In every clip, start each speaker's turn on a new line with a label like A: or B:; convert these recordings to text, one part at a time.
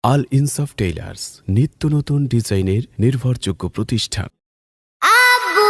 A: আল ইনসাফ টেইলার্স নিত্য নতুন ডিজাইনের নির্ভরযোগ্য প্রতিষ্ঠান।
B: আব্বু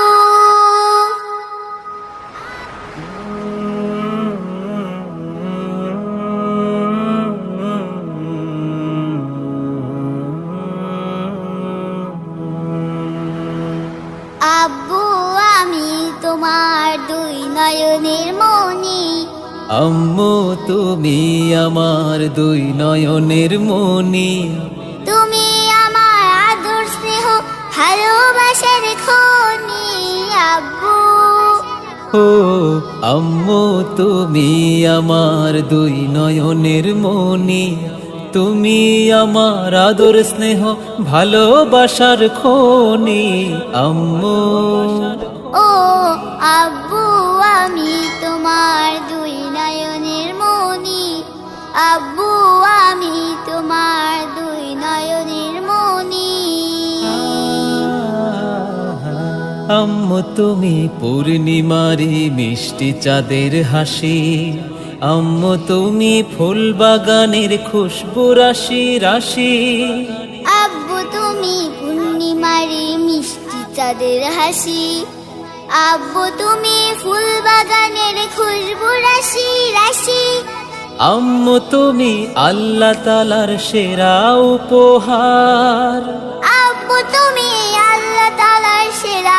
B: আব্বু আমি তোমার দুই নয়নের মনি।
C: আম্মু তুমি আমার দুই নয়নের মনি।
B: তুমি আমার আদর স্নেহ ভালোবাসার খনি। আব্বু
C: ও আম্মু তুমি আমার দুই নয়নের মনি। তুমি আমার আদর স্নেহ ভালোবাসার খনি আম্মু।
B: ও আব্বু আমি তোমার দুই নয়নের মনি। আব্বু আমি তোমার দুই নয়নের মনি।
C: আম্মু তুমি পূর্ণিমারি মিষ্টি চাঁদের হাসি। আম্মু তুমি ফুল বাগানের খুশবু রাশি রাশি।
B: আব্বু তুমি পূর্ণিমারি মিষ্টি চাঁদের হাসি। আব্বু তুমি ফুল বাগানের খুশবু রাশি রাশি।
C: আম্মু তুমি আল্লাহ তাআলার সেরা উপহার।
B: আব্বু তুমি আল্লাহ তাআলার সেরা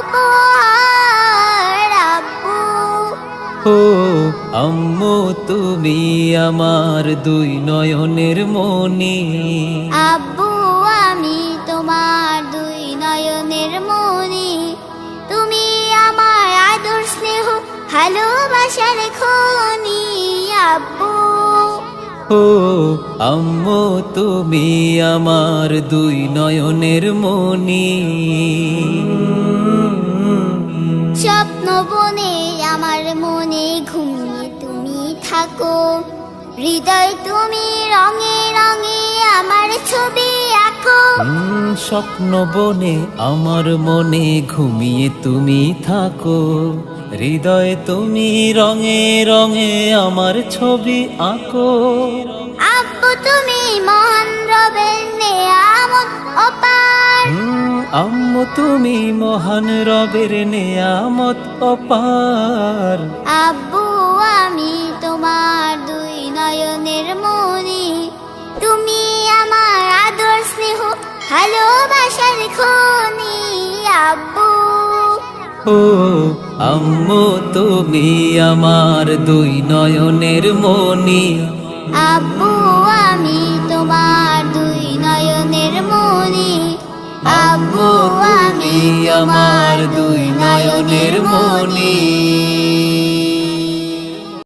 B: উপহার। আব্বু
C: ও আম্মু তুমি আমার দুই নয়নের মনি।
B: আব্বু আমি তোমার দুই নয়নের মনি। তুমি আমার আদর স্নেহ ভালোবাসার খনি। আব্বু
C: ও আম্মু তুমি আমার দুই নয়নের মনি।
B: স্বপ্ন বনে আমার মনে ঘুমিয়ে তুমি থাকো। হৃদয় তুমি রঙে রঙে আমার ছবি আঁকো।
C: স্বপ্ন বনে আমার মনে ঘুমিয়ে তুমি থাকো। হৃদয়ে তুমি রঙে রঙে আমার ছবি আঁকো।
B: আব্বু তুমি মহান রবের নেয়ামত অপার।
C: আম্মু তুমি মহান রবের নেয়ামত অপার।
B: আব্বু আমি তোমার দুই নয়নের মনি। তুমি আমার আদর স্নেহ ভালোবাসার খনি। আব্বু
C: ও আম্মু তুমি আমার দুই নয়নের মনি।
B: আব্বু আমি তোমার দুই নয়নের মনি। আব্বু আমি তোমার